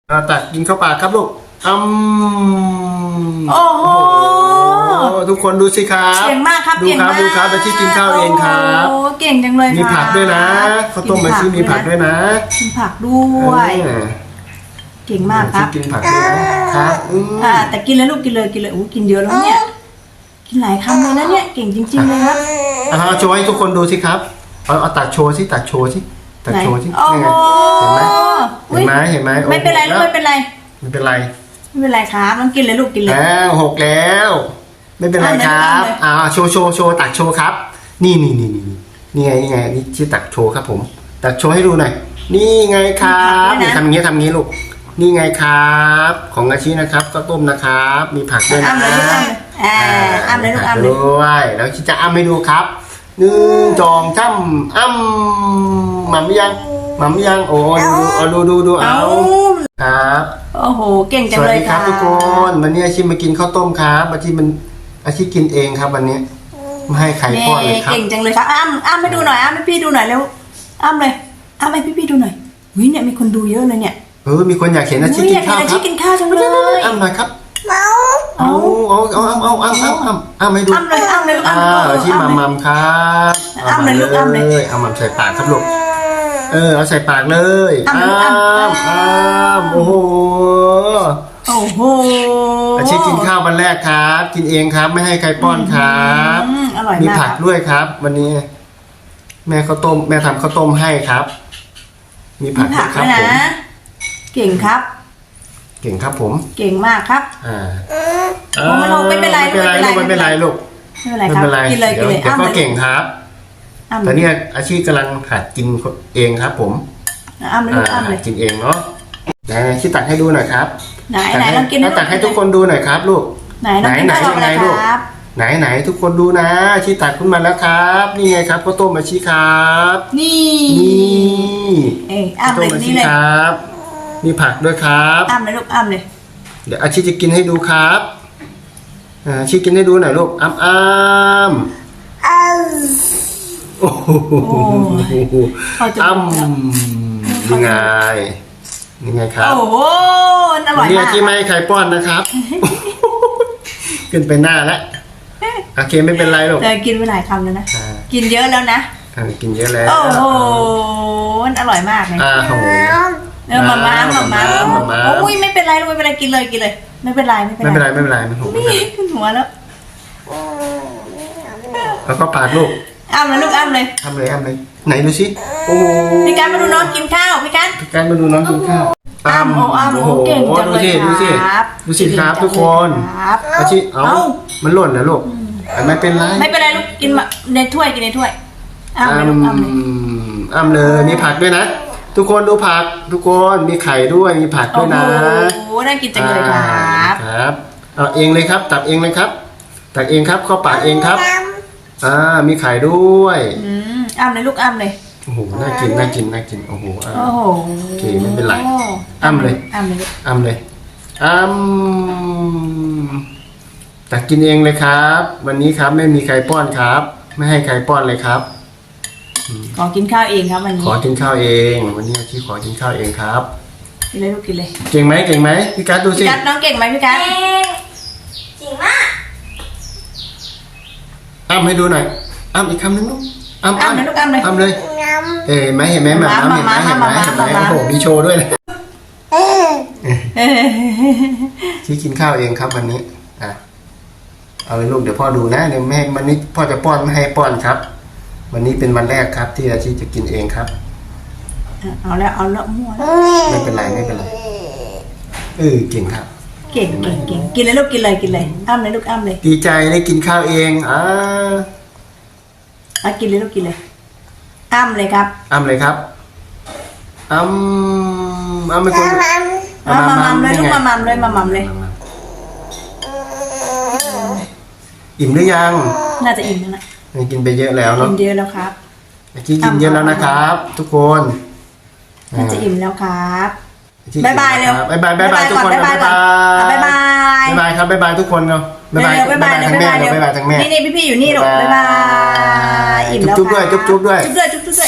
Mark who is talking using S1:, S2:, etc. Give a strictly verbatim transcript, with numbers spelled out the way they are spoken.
S1: อาตักกินเข้าปากครับลูกอืม
S2: โอ้โห
S1: ทุกคนดูสิครับ
S2: เก่งมากครับ
S1: ดู
S2: เก่ง
S1: ครับ
S2: มาก
S1: ดูครับอาชีกินข้าวเองครับ
S2: โอ้เก่งจังเลย
S1: มีผักด้วยนะข้าวต้มอาชีมีผักด้วยนะ
S2: มีผักด้วย
S1: เออ
S2: เก่งมากครับ
S1: อาชีกินผักด้วยนะครับอืม
S2: อ่าแต่กินเลยลูกกินเลยกินเลยโอ้กินเยอะแล้วเนี่ยกินหลายคำเลยนะเนี่ยเก่งจริงๆเลยครับ
S1: อ่าโชว์ให้ทุกคนดูสิครับเอาเอาตักโชว์สิตักโชว์สิตักโชว์สิ
S2: โอ้
S1: นี่
S2: โห
S1: ไงเห็นไหมเห็นไหมเห็นไหม
S2: ไม่เป็นไรลูกไม่เป็นไร
S1: ไม่เป็นไร
S2: ไม่เป็นไรครับต้องกินเลยลูกกินเลย
S1: แล้วหกแล้ว ไม่เป็นไรครับ
S2: เอาเลย
S1: อ่าโชว์โชว์โชว์ตักโชว์ครับ นี่นี่นี่นี่นี่ไงนี่ไงนี่ชื่อตักโชว์ครับผม ตักโชว์ให้ดูหน่อยนี่ไงครับนี่ทำอย่างนี้ทำอย่างนี้ลูกนี่ไงครับ ของอาชีนะครับข้าวต้มนะครับ มีผักด้วยนะ
S2: อ้ำเลยลูกอ้ำเลยอ่าอ้ำเลยลูกอ้ำเลย
S1: ด้วยแล้วคิดจะอ้ำให้ดูครับหนึ่งจองช่ำอ้ำหม่ำยังหม่ำยังโอ้ดูเอาดูดูดูเอาครับ
S2: โอ้โหเก่งจั
S1: ส
S2: ง
S1: วัส
S2: เลย
S1: ดีค
S2: ค
S1: รั
S2: รั
S1: บบ ทุกคนวันนี้อาชีพมากินข้าวต้มครับอาชีพมันอาชีพกินเองครับวันนี้ไม่ให้ใครป้อนเลยครับ
S2: เก่งจังเลยครับอ้ำอ้ำให้ดูหน่อยอ้ำให้พี่ดูหน่อยเร็วอ้ำเลยอ้ำให้พี่พี่ดูหน่อยวิเนี่ยมีคนดูเยอะเลยเนี่ย
S1: เออมีคนอยากเห็นอาชีพ
S2: อุ๊ย
S1: กินข้าว
S2: อยาก
S1: ค
S2: เห็นอาชี
S1: รับ
S2: พกินข้าวจังเลย
S1: อ้ำหน่อยครับ
S2: เอา
S1: เอาเอาเอาเอาเอาเอาเอาเอาเอาให้ดู
S2: อ้ำเลยอ้ำเลยลูก
S1: อ่า
S2: อ้ำ
S1: อาชีพมัมมัมครับ
S2: อ้ำเลยลูกอ้ำเลย
S1: เอามัมใส่ปากครับลูกเออเอาใส่ปากเลย
S2: อ้ำเลยลูกอ้ำ
S1: อ้ำอ้ำโอ้โห
S2: โอ้โห
S1: อาชีพกินข้าววันแรกครับ กินเองครับไม่ให้ใครป้อนครับ
S2: อืมอร่อย
S1: มี
S2: มาก
S1: ผักด้วยครับ วันนี้ แม่ข้าวต้มแม่ทำข้าวต้มให้ครับ มีผั
S2: มี
S1: ก
S2: ผัก
S1: ครั
S2: ด้
S1: บ
S2: วย
S1: ผม
S2: นะเก่งครับ
S1: เก่งครับผม
S2: เก่งมากครับ
S1: อ่า
S2: โอ้ไม่ลงไม่เป็นไร
S1: ไม่เป็นไรลูก
S2: ไม่
S1: ไม่
S2: เป็
S1: เป็น
S2: น
S1: ไร
S2: ไร
S1: ลูก
S2: ไม่เป็นไรครับกินเลยกินเลย
S1: เดี๋ยว
S2: อ้ำ
S1: ก็
S2: เลย
S1: เก่งครับ
S2: อ้ำ
S1: แต่เนี่ยอาชีพกำลังหัดกินเองครับ ผม
S2: อ้ำเลยลูกอ้ำเล
S1: หั
S2: ย
S1: ดกินเองเนาะไหนชี้ตักให้ดูหน่อยครับ
S2: ไหนไหนลองกิน
S1: ให้ตักให้ทุกคนดูหน่อยครับลูก
S2: ไหนลองกิน
S1: ไหน
S2: ข้าว
S1: ไหน
S2: อะไร
S1: ยังไงลูก
S2: ครับ
S1: ไหนไหนทุกคนดูนะชี้ตักขึ้นมาแล้วครับ นี่ไงครับข้าวต้มอาชีครับ
S2: นี่
S1: นี่
S2: เอ้ยอ้ำเลย
S1: ข้าวต้มอาชี
S2: นี่เลย
S1: ครับ มีผักด้วยครับ
S2: อ้ำเลยลูกอ้ำเลย
S1: เดี๋ยวอาชีจะกินให้ดูครับอ่าอาชีกินให้ดูหน่อยลูกอ้ำอ้ำโอ้โห
S2: เขาจะ
S1: อ้ำนี่ไงนี่ไงครับ
S2: โอ้โหอร่อย
S1: นี่
S2: มา
S1: อาก ชีไม่ให้ใครป้อนนะครับ ขึ้นไปหน้าแล้วโอเคไม่เป็นไรหรอก
S2: เธอกินไปหลายคำแล้วนะ
S1: อ่า
S2: กินเยอะแล้วนะ
S1: อ่ากินเยอะแล้ว
S2: โอ้โหอร่อยมากเลย
S1: อ้าวโห
S2: เออมาม่ามาม่า
S1: มาม่า
S2: โอ้ยไม่เป็นไรลูกไม่เป็นไรกินเลยกินเลย ไม่เป็นไรไม่เป็น
S1: ไม่เป็น
S2: ไร
S1: ไรไม่เป็นไรไม่ถูกไม่เป็นไร
S2: นี่ขึ้นหัวแล้ว
S1: แล้วก็ปากลูก
S2: อ้ำเลยลูกอ้ำเลย
S1: ทำเลยทำเลยไหนดูสิโอ้โห
S2: พี่การมาดูน้องกินข้าวพี่การ
S1: การมาดูน้องกินข้าว
S2: อ้ำโอ้อ้ำ
S1: โอ้
S2: โอ้
S1: โห
S2: เก่งจัง
S1: ดู
S2: เลย
S1: สิดูสิ
S2: ครับ
S1: ดูสิครับทุกคน
S2: ครับ
S1: อาชีเอา
S2: เอ้า
S1: มันหล่นนะลูกไม่เป็นไร
S2: ไม่เป็นไรลูกกินมาในถ้วยกินในถ้วยอ้ำเลยลูกอ้ำเลย
S1: อ้ำเลยมีผักด้วยนะ ทุกคนดูผักทุกคนมีไข่ด้วยมีผักด้
S2: โอ้
S1: วย
S2: โห
S1: นะ
S2: น่ากินจังเลยครับ
S1: ครับเอาเองเลยครับ ตักเองเลยครับตักเองครับเข้าปากเองครับอ่ามีไข่ด้วย
S2: อืมอ้ำเลยลูกอ้ำเลย
S1: โอ้โหน่ากินน่ากินน่ากินโอ้โหอ่า
S2: โอ้โห
S1: โอเคไม่เป็นไรอ้ำเลย
S2: อ้ำเลยลูก
S1: อ้ำเลยอ้ำตักกินเองเลยครับ วันนี้ครับไม่มีใครป้อนครับ ไม่ให้ใครป้อนเลยครับ
S2: ขอกินข้าวเองครับวันนี้
S1: ขอกินข้าวเอง วันนี้ที่ขอกินข้าวเองครับ
S2: กินเลยลูกกินเลย
S1: เก่งไหมเก่งไหมพี่กัสดูสิ
S2: พี่กัดน้องเก่งไหมพี่กัด
S3: จริงมาก
S1: อ้ำให้ดูหน่อยอ้ำอีกคำหนึงลูกอ้ำ
S2: อ้ำเลยลูกอ้ำเลย
S1: อ้ำเลย
S3: น้
S1: เอ้ยเห็นไหมเห็นไหมหมาอ้ำเห็นไหมเห็นไหมเห็นไหม
S2: มามามา
S1: โอ้โหมีโชว์ด้วยนะ
S3: ำเออ
S2: เออ
S1: ที่กินข้าวเองครับวันนี้อ่ะเอาเลยลูกเดี๋ยวพ่อดูนะเดี๋ยวแม่วันนี้พ่อจะป้อนไม่ให้ป้อนครับ วันนี้เป็นวันแรกครับ ที่อาชีจะกินเองครับ
S2: เอาแล้วเอาแล้วมั่วแล้ว
S1: ไม่เป็นไรไม่เป็นไรเออเก่งครับ
S2: เก่งเก่งเก่งกินเลยลูกกินเลยกินเลยอ้ำเลยลูกอ้ำเลย
S1: ดีใจได้กินข้าวเองอ่า
S2: เอากินเลยลูกกินเลยอ้ำเลยครับ
S1: อ้ำเลยครับอ้ำอ้ำไม่คน
S3: น้ำ
S2: เอามามัมเลยลูกมามัมเลยมามัมเลย
S1: อิ่มหรือยัง
S2: น่าจะอิ่มแล้วนะ
S1: กินไปเยอะแล้ว
S2: อิ่
S1: เนาะ
S2: มเยอะแล้วครับ
S1: เมื่อกี้กินเยอะแล้วนะครับ ทุกคน
S2: น่าจะอิ่มแล้วครับ
S1: เมื่อกี้
S2: บ๊ายบายเร็ว
S1: บ๊ายบายบ๊ายบายทุกคน
S2: บ๊ายบายก่อนบ๊ายบาย
S1: บ๊ายบายครับบ๊ายบายทุกคนเนาะ
S2: เร็วๆบ๊ายบายเร็ว
S1: ทั้ง
S2: บ๊าย
S1: แม่
S2: บายเร็ว
S1: บ๊ายบายทั้งแม่
S2: นี่นี่พี่ๆอยู่นี่ลูกบ๊ายบายอิ่มแล้ว
S1: จุ๊บๆด้วยจุ๊บๆด้วย
S2: จุ๊บด้วยจุ๊บๆด้วย